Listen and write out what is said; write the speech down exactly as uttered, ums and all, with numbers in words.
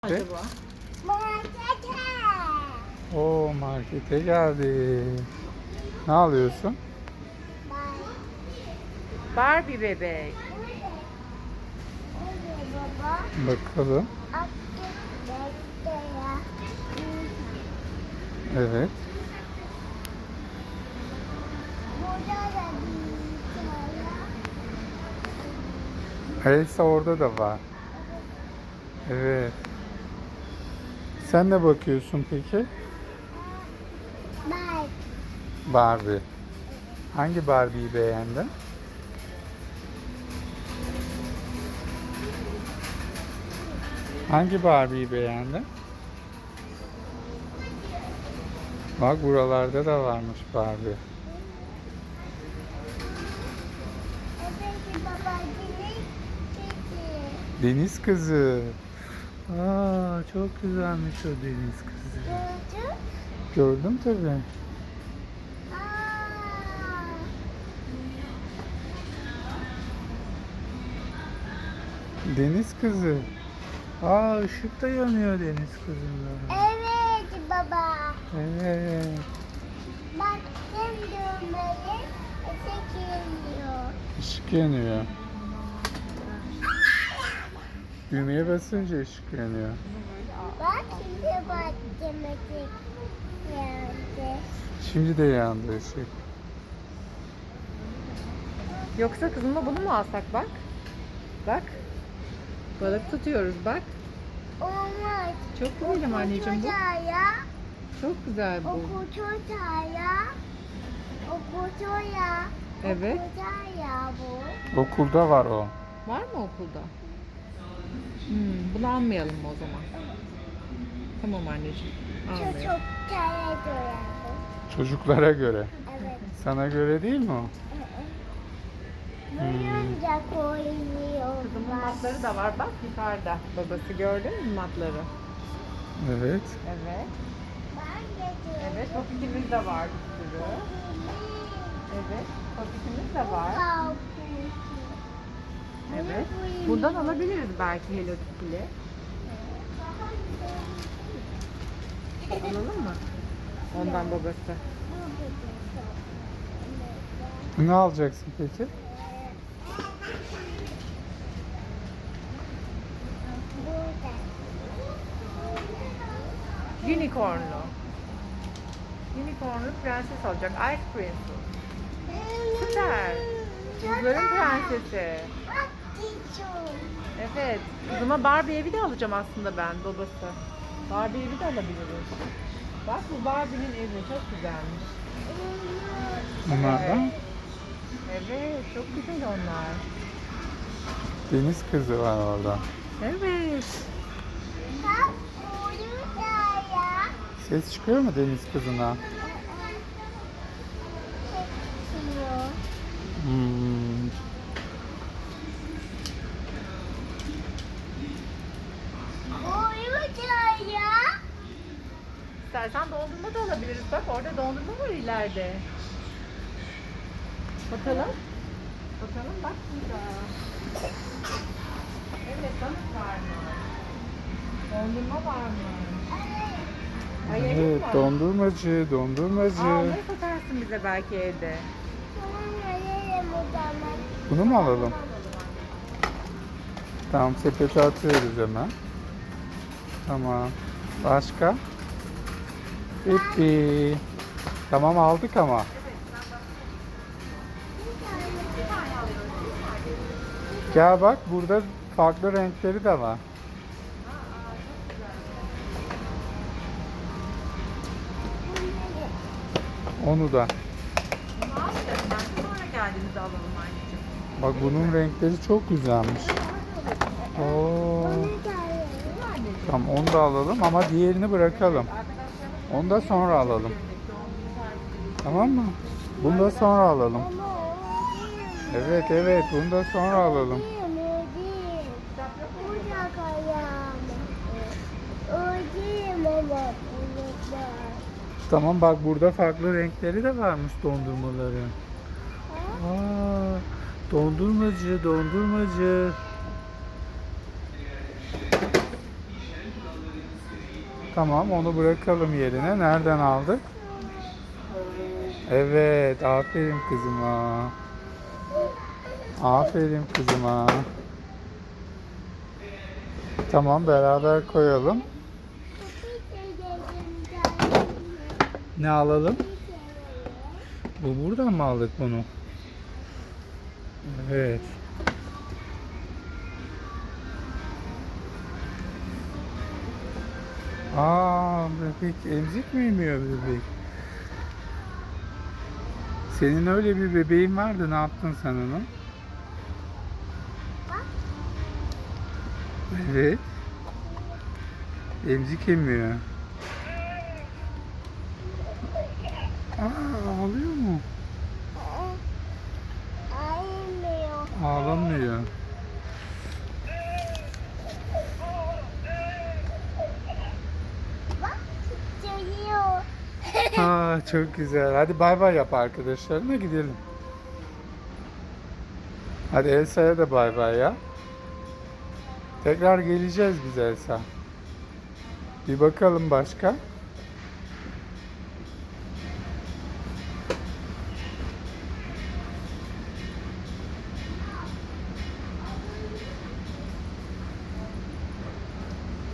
Acaba? Markete. Oo, markete geldi. Ne alıyorsun? Barbie bebek. Nerede baba? Bakalım. Aktif bekle ya. Evet. Burada da bir tane. Elsa orada da var. Evet. Sen ne bakıyorsun peki? Bak. Barbie. Hangi Barbie'yi beğendin? Hangi Barbie'yi beğendin? Bak buralarda da varmış Barbie. Evet baba. Deniz kızı. Deniz kızı. Aa, çok güzelmiş o deniz kızı. Gördün? Gördüm tabii. Aa. Deniz kızı. Aa, ışık da yanıyor deniz kızında. Evet baba. Evet. Bak sen dönmeli. Ese geliyor. Işık yanıyor. Düğmeye basınca ışık yanıyor. Bak şimdi bak demek geldi. Şimdi de yandı ışık. Yoksa kızıma bunu mu alsak bak? Bak. Balık tutuyoruz bak. Olmaz. Çok güzelim anneciğim bu. Ya. Çok güzel bu. Okutur ya. Okutur ya. Evet. Okutur ya bu. Okulda var o. Var mı okulda? Hmm, bunu almayalım mı o zaman? Tamam anneciğim. Çok Almayalım. çok tane doyardı. Çocuklara göre. Evet. Sana göre değil mi o? Bunun da koyuyor. Kızımın matları da var bak yukarıda. Babası gördün mü matları? Evet. Evet. Ben de Evet, popitimiz de var bir sürü. Evet, popitimiz de var. Evet. Buradan alabiliriz belki Hello Kitty'li. Alalım mı? Ondan babası. Ne alacaksın peki? Unicornlu. Unicornlu prenses olacak. Ice Princess. Süper. Buzların prensesi. Evet. Kızıma Barbie evi de alacağım aslında ben babası. Barbie evi de alabiliriz. Bak bu Barbie'nin evi çok güzelmiş. Bunlardan Evet, çok güzel onlar. deniz kızı var orada. Evet. Ses çıkıyor mu deniz kızına? Hmm. İstersen dondurma da alabiliriz. Bak orada dondurma var ileride. Bakalım. Bakalım bak burada. Evet balık var mı? Dondurma var mı? Ay, yemek Evet, var. dondurmacı, dondurmacı. Aa, onları satarsın bize belki evde. Bunu mu alalım? Tamam, sepete atıyoruz hemen. Tamam. Başka? Bitti. Tamam, aldık ama. Gel bak, burada farklı renkleri de var. Onu da. Bunu almayalım. Belki sonra geldiğimizde alalım anneciğim. Bak bunun renkleri çok güzelmiş. Oo. Tamam, onu da alalım ama diğerini bırakalım. Onu da sonra alalım. Tamam mı? Bunu da sonra alalım. Evet evet, bunu da sonra alalım. Tamam bak, burada farklı renkleri de varmış dondurmaların. Aa, dondurmacı, dondurmacı. Tamam, onu bırakalım yerine. Nereden aldık? Evet, aferin kızıma. Aferin kızıma. Tamam, beraber koyalım. Ne alalım? Bu buradan mı aldık bunu? Evet. Aa, bebek emzik mi yemiyor bebek? Senin öyle bir bebeğin vardı, ne yaptın sen onu? Evet. Emzik emiyor. Aa, ağlıyor mu? Ayılmıyor. Ağlamıyor. Bak titriyor. Aa, çok güzel. Hadi bay bay yap arkadaşlarına, gidelim. Hadi Elsa'ya da bay bay ya. Tekrar geleceğiz biz Elsa. Bir bakalım başka.